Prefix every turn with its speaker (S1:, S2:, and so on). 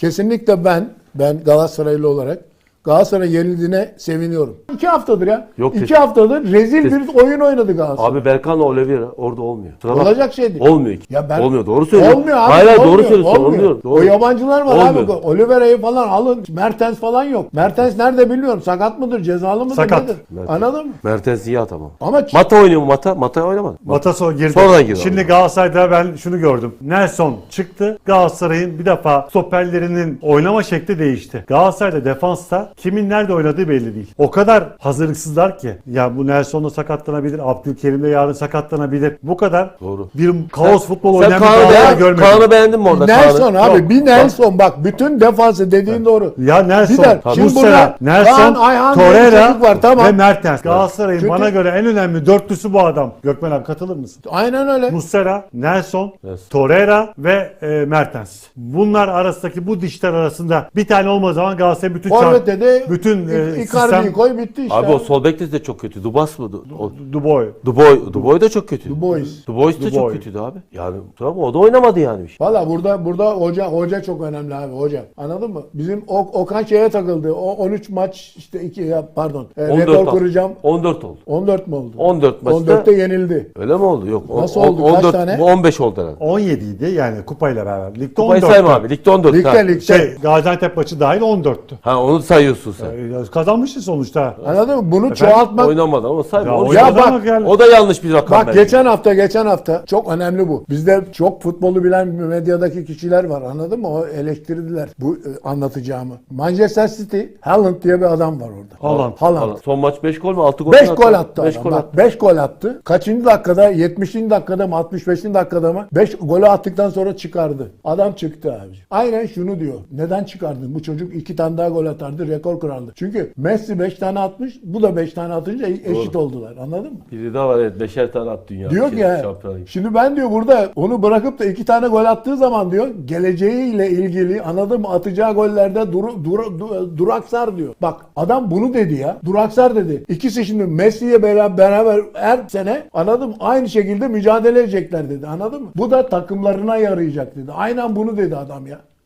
S1: Kesinlikle ben Galatasaraylı olarak Galatasaray yenildiğine seviniyorum. 2 haftadır ya.
S2: Yok,
S1: 2 haftadır rezil bir oyun oynadı Galatasaray.
S2: Abi Berkan'la Oliveira orada olmuyor. Kusura bakma.
S1: Olacak şey değil.
S2: Olmuyor ki.
S1: Ya ben-
S2: Olmuyor, doğru söylüyorsun.
S1: Olmuyor abi.
S2: Hayır,
S1: olmuyor,
S2: doğru söylüyorsun.
S1: olmuyor.
S2: Doğru.
S1: O yabancılar var
S2: Olmuyor.
S1: abi. Oliveira'yı falan alın. Mertens falan yok. Mertens nerede bilmiyorum. Sakat mıdır? Cezalı mıdır?
S3: Sakat.
S1: Nedir?
S2: Mertens.
S1: Anladın mı?
S2: Mertens iyi atamam.
S1: Ama
S2: Mata oynuyor mu Mata? Mata oynamadı.
S3: Bataso girdi.
S2: Sonradan girdi
S3: Şimdi
S2: abi.
S3: Galatasaray'da ben şunu gördüm. Nelson çıktı. Galatasaray'ın bir defa stoperlerinin oynama şekli değişti. Galatasaray'da defansta kimin nerede oynadığı belli değil. O kadar hazırlıksızlar ki. Ya bu Nelson da sakatlanabilir. Abdülkerim de yarın sakatlanabilir. Bu kadar
S2: Doğru.
S3: bir kaos futbol
S2: Sen
S3: oynayan bir Galatasaray görmedim.
S2: Kaan'ı beğendin mi orada?
S1: Nelson
S2: Kaan'ı?
S1: abi.
S3: Yok.
S1: Bir Nelson bak. Bütün defansı dediğin doğru.
S3: Ya Nelson,
S1: Bir de şimdi
S3: Muslera,
S1: burada
S3: Nelson,
S1: Kaan Ayhan diye bir
S3: Torreira
S1: çocuk var, tamam.
S3: ve Mertens. Galatasaray'ın
S1: Çünkü-
S3: bana göre en önemli dörtlüsü bu adam. Gökmen abi katılır mısın?
S1: Aynen öyle.
S3: Muslera, Nelson,
S2: Nelson.
S3: Torreira ve Mertens. Bunlar arasındaki bu dişler arasında bir tane olmadığı zaman Galatasaray bütün
S1: Forvet'te de
S3: bütün
S1: Icardi'yi
S3: sistem
S1: koy bitti işte.
S2: Abi o sol bekte de çok kötü. Dubas mı?
S3: Duboy.
S2: Duboy da çok kötü.
S1: Dubois.
S2: Dubois da çok
S3: Dubois.
S2: kötüydü abi. Yani tamam, o da oynamadı yani bir şey.
S1: Valla burada hoca çok önemli abi, hoca. Anladın mı? Bizim Okan şeye takıldı. O 13 maç işte 2 rekor
S2: oldu.
S1: kuracağım.
S2: 14 oldu.
S1: 14 mu oldu?
S2: 14 maçta.
S1: 14'te yenildi.
S2: Öyle mi oldu? Yok.
S1: Nasıl oldu? Kaç
S2: 14,
S1: tane?
S2: Bu 15 oldu herhalde.
S3: 17 idi yani kupayla beraber. Ligde
S2: Kupayı
S3: 14.
S2: sayma abi. Ligde 14.
S1: Ligde.
S3: Şey Gaziantep maçı dahil 14'tü.
S2: Ha, onu sayıyorsun sen.
S3: Kazanmışız sonuçta.
S1: Anladın mı? Bunu çoğaltmak.
S2: Oynamadı ama sayma.
S3: Ya
S2: O-
S3: oynadı
S1: bak,
S3: ama yani.
S2: O da yanlış bir rakam
S1: Bak
S2: bence.
S1: geçen hafta çok önemli bu. Bizde çok futbolu bilen medyadaki kişiler var, anladın mı? O eleştirdiler bu anlatacağımı. Manchester City, Haaland diye bir adam var orada.
S3: Haaland.
S1: Haaland.
S2: Son maç 5 gol mü? 6 gol
S1: 5
S2: mü
S1: gol attı
S2: 5
S1: adam.
S2: gol
S1: Bak,
S2: attı.
S1: 5 gol attı. Kaçıncı dakikada? 70. dakikada mı? 65. dakikada mı? 5 golü attıktan sonra çıkardı. Adam çıktı abi. Aynen şunu diyor. Neden çıkardın? Bu çocuk 2 tane daha gol atardı. Rekor kırardı. Çünkü Messi 5 tane atmış. Bu da 5 tane atınca eşit oldular. Anladın mı?
S2: Biri daha var, evet. 5'er tane attı dünya.
S1: Diyor ki ya,
S2: Şampiyonlar Ligi.
S1: şimdi ben diyor burada onu bırakıp da 2 tane gol attığı zaman diyor geleceğiyle ilgili, anladın mı, atacağı gollerde duraksar diyor. Bak adam bunu dedi ya. Duraksar dedi. İkisi şimdi Messi'ye beraber her sene, anladın mı, aynı şekilde mücadele edecekler dedi. Anladın mı? Bu da takımlarına yarayacak dedi. Aynen bunu dedi adam ya.